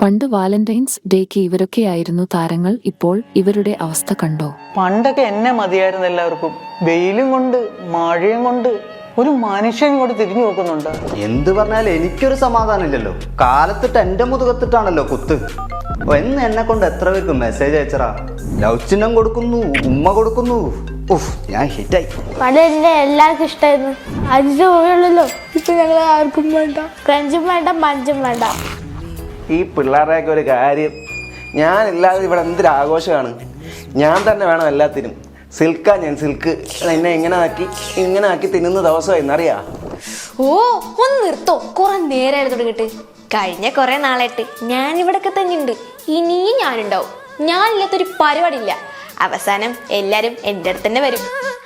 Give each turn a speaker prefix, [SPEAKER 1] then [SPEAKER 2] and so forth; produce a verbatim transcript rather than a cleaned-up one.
[SPEAKER 1] പണ്ട് വാലന്റൈൻസ് ഡേക്ക് ഇവരൊക്കെയായിരുന്നു താരങ്ങൾ. ഇപ്പോൾ ഇവരുടെ അവസ്ഥ കണ്ടോ?
[SPEAKER 2] പണ്ടൊക്കെ എന്നെ മതിയായിരുന്നു എല്ലാവർക്കും. വെയിലും കൊണ്ട് മഴയും കൊണ്ട് ഒരു മനുഷ്യൻ കൂടെ തിരിഞ്ഞു നോക്കുന്നുണ്ട്.
[SPEAKER 3] എന്ത് പറഞ്ഞാലും എനിക്കൊരു സമാധാനം ഇല്ലല്ലോ. കാലത്തിട്ട് എന്റെ മുതുകത്തിട്ടാണല്ലോ കുത്ത്. എന്ന് എന്നെ കൊണ്ട് എത്ര പേർക്ക് മെസ്സേജ് അയച്ചറാ. ലവ് ചിഹ്നം കൊടുക്കുന്നു, ഉമ്മ കൊടുക്കുന്നു. ഉഫ്, ഞാൻ ഹിറ്റായി.
[SPEAKER 4] പണ്ട് എല്ലാവർക്കും ഇഷ്ടമായിരുന്നു. അഞ്ചു പോയുള്ളല്ലോ. ഇപ്പൊ ഞങ്ങൾ ആർക്കും വേണ്ട. ക്രഞ്ചും വേണ്ട, മഞ്ചും വേണ്ട.
[SPEAKER 5] ഈ പിള്ളേരുടെയൊക്കെ ഒരു കാര്യം, ഞാനില്ലാതെ ഇവിടെ എന്തൊരാഘോഷമാണ്. ഞാൻ തന്നെ വേണം എല്ലാത്തിനും. സിൽക്കാ ഞാൻ സിൽക്ക്. എന്നെ ഇങ്ങനെ ആക്കി ഇങ്ങനെ ആക്കി തിന്നുന്ന ദിവസമായിരുന്നറിയാ.
[SPEAKER 6] ഓ ഒന്ന് നിർത്തോ, കുറെ നേരമായിരുന്നു തുടങ്ങിട്ട്. കഴിഞ്ഞ കുറെ നാളായിട്ട് ഞാൻ ഇവിടൊക്കെ തന്നെ ഉണ്ട്. ഇനിയും ഞാനുണ്ടാവും. ഞാനില്ലാത്തൊരു പരിപാടിയില്ല. അവസാനം എല്ലാരും എൻ്റെ അടുത്ത് തന്നെ വരും.